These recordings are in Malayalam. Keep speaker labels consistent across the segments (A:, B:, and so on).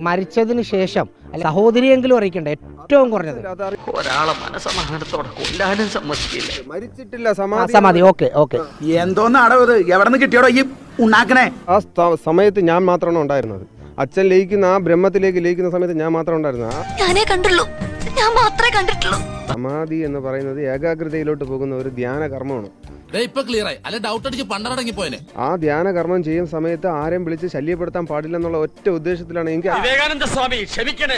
A: മരിച്ചതിന് ശേഷം സഹോദരിയെങ്കിലും അറിയിക്കണ്ട, ഏറ്റവും കുറഞ്ഞത്
B: ഒരാളെ മനസ്സമാധാനത്തോടെ കൊല്ലാനും സമ്മതിക്കില്ല.
C: മരിച്ചിട്ടില്ല,
A: സമാധി. Okay okay.
D: എന്തോന്നാടോ ഇത്? എവിടെ നിന്ന് കിട്ടിയോടോ ഈ ഉണ്ടാക്കണേ?
C: ആ സമയത്ത് ഞാൻ മാത്രമാണ് ഉണ്ടായിരുന്നത്. അച്ഛൻ ലയിക്കുന്ന ആ ബ്രഹ്മത്തിലേക്ക് ലയിക്കുന്ന സമയത്ത് ഞാൻ മാത്രം ഉണ്ടായിരുന്നു.
E: ഞാനേ കണ്ടുള്ളൂ, ഞാൻ മാത്രമേ കണ്ടിട്ടുള്ളൂ.
C: സമാധി എന്ന് പറയുന്നത് ഏകാഗ്രതയിലോട്ട് പോകുന്ന ഒരു ധ്യാന കർമ്മമാണ്. ആ ധ്യാന കർമ്മം ചെയ്യുന്ന സമയത്ത് ആരെയും വിളിച്ച് ശല്യപ്പെടുത്താൻ പാടില്ലെന്നുള്ള ഒറ്റ ഉദ്ദേശത്തിലാണ് എനിക്ക്
B: വിവേകാനന്ദ സ്വാമി ക്ഷമിക്കണേ.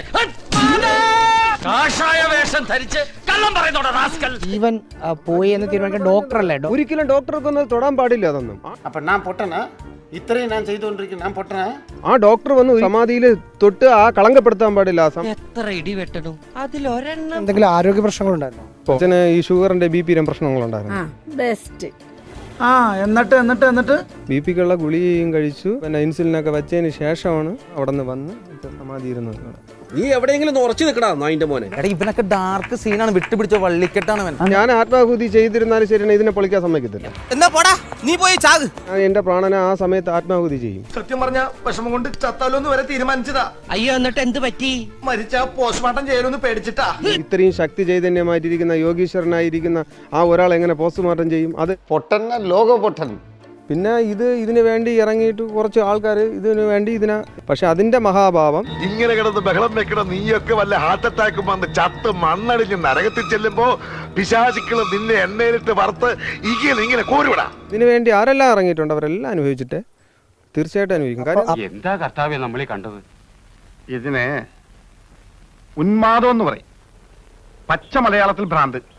B: കാഷായ വേഷം ധരിച്ച് കള്ളം പറയുന്നോടാ റാസ്കൽ.
A: ജീവൻ പോയി എന്ന് തീരുമാനിക്കാൻ ഡോക്ടറല്ലേ?
C: ഒരിക്കലും ഡോക്ടർക്കൊന്നും തൊടാൻ പാടില്ല അതൊന്നും.
F: അപ്പൊ ഞാൻ പൊട്ടനാ? ഇത്രയും ഞാൻ ചെയ്തുകൊണ്ടിരിക്കും, ഞാൻ പൊട്ടനാ?
C: ആ ഡോക്ടർ വന്ന് സമാധിയിൽ തൊട്ട് ആ കളങ്കപ്പെടുത്താൻ പാടില്ല.
B: എത്ര ഇടി വെട്ടണം അതിലൊരെണ്ണം.
A: എന്തെങ്കിലും ആരോഗ്യ പ്രശ്നങ്ങളുണ്ടായിരുന്നോ?
C: അച്ഛന് ഈ ഷുഗറിന്റെ BP പ്രശ്നങ്ങളുണ്ടായിരുന്നു.
E: ബെസ്റ്റ്.
D: എന്നിട്ട്
C: BP-ക്കുള്ള ഗുളികയും കഴിച്ചു, പിന്നെ ഇൻസുലിനൊക്കെ വെച്ചതിന് ശേഷമാണ് അവിടെ നിന്ന് വന്ന് സമാധി ഇരുന്നത്.
G: നീ എവിടെയെങ്കിലും ഉറച്ചു നിൽക്കടാ നായിന്റെ മോനെ.
H: ഇവനൊക്കെ ഡാർക്ക് സീനാണ്, വിട്ടുപിടിച്ച വള്ളിക്കെട്ടാണ്.
C: ഞാൻ ആത്മാഹുതി ചെയ്തിരുന്നാലും ശരിയാണ്, ഇതിനെ പൊളിക്കാൻ സമ്മതിക്കത്തില്ല.
H: എന്നാ പോടാ, നീ പോയി ചാക്.
C: ഞാൻ എന്റെ പ്രാണനെ ആ സമയത്ത് ആത്മാഹുതി ചെയ്യും.
D: സത്യം പറഞ്ഞ വിഷമം കൊണ്ട് ചത്താലോന്ന് വരെ തീരുമാനിച്ചതാ.
B: അയ്യോ, എന്നിട്ട് എന്ത് പറ്റി?
D: മരിച്ച പോസ്റ്റ്മോർട്ടം ചെയ്യലൊന്ന് പേടിച്ചിട്ടാ.
C: ഇത്രയും ശക്തി ചൈതന്യമായിട്ടിരിക്കുന്ന യോഗീശ്വരനായിരിക്കുന്ന ആ ഒരാൾ എങ്ങനെ പോസ്റ്റ്മോർട്ടം ചെയ്യും? അത്
F: പൊട്ടൻ, ലോക പൊട്ടൻ.
C: പിന്നെ ഇതിന് വേണ്ടി ഇറങ്ങിയിട്ട് കുറച്ച് ആൾക്കാർ ഇതിനു വേണ്ടി പക്ഷെ അതിന്റെ മഹാഭാവം
I: ഇങ്ങനെ കിടന്ന് ബഹളം വെക്കണം. നീയൊക്കെ വല്ല ഹാർട്ട് അറ്റാക്കും വന്ന് ചത്ത് മണ്ണടിഞ്ഞ് നരകത്തിൽ ചെല്ലുമ്പോ പിശാചുക്കളും നിന്നെ എണ്ണയിലിട്ട് വറുത്ത് ഇങ്ങനെ കോരുവിടാ.
C: ഇതിനു വേണ്ടി ആരെല്ലാം ഇറങ്ങിയിട്ടുണ്ട് അവരെല്ലാം അനുഭവിച്ചിട്ട് തീർച്ചയായിട്ടും അനുഭവിക്കും. കാരണം
I: എന്താ കർത്താവ്യ നമ്മളീ കണ്ടത്? ഇതിനെ ഉന്മാദം എന്ന് പറയും, പച്ച മലയാളത്തിൽ ഭ്രാന്ത്.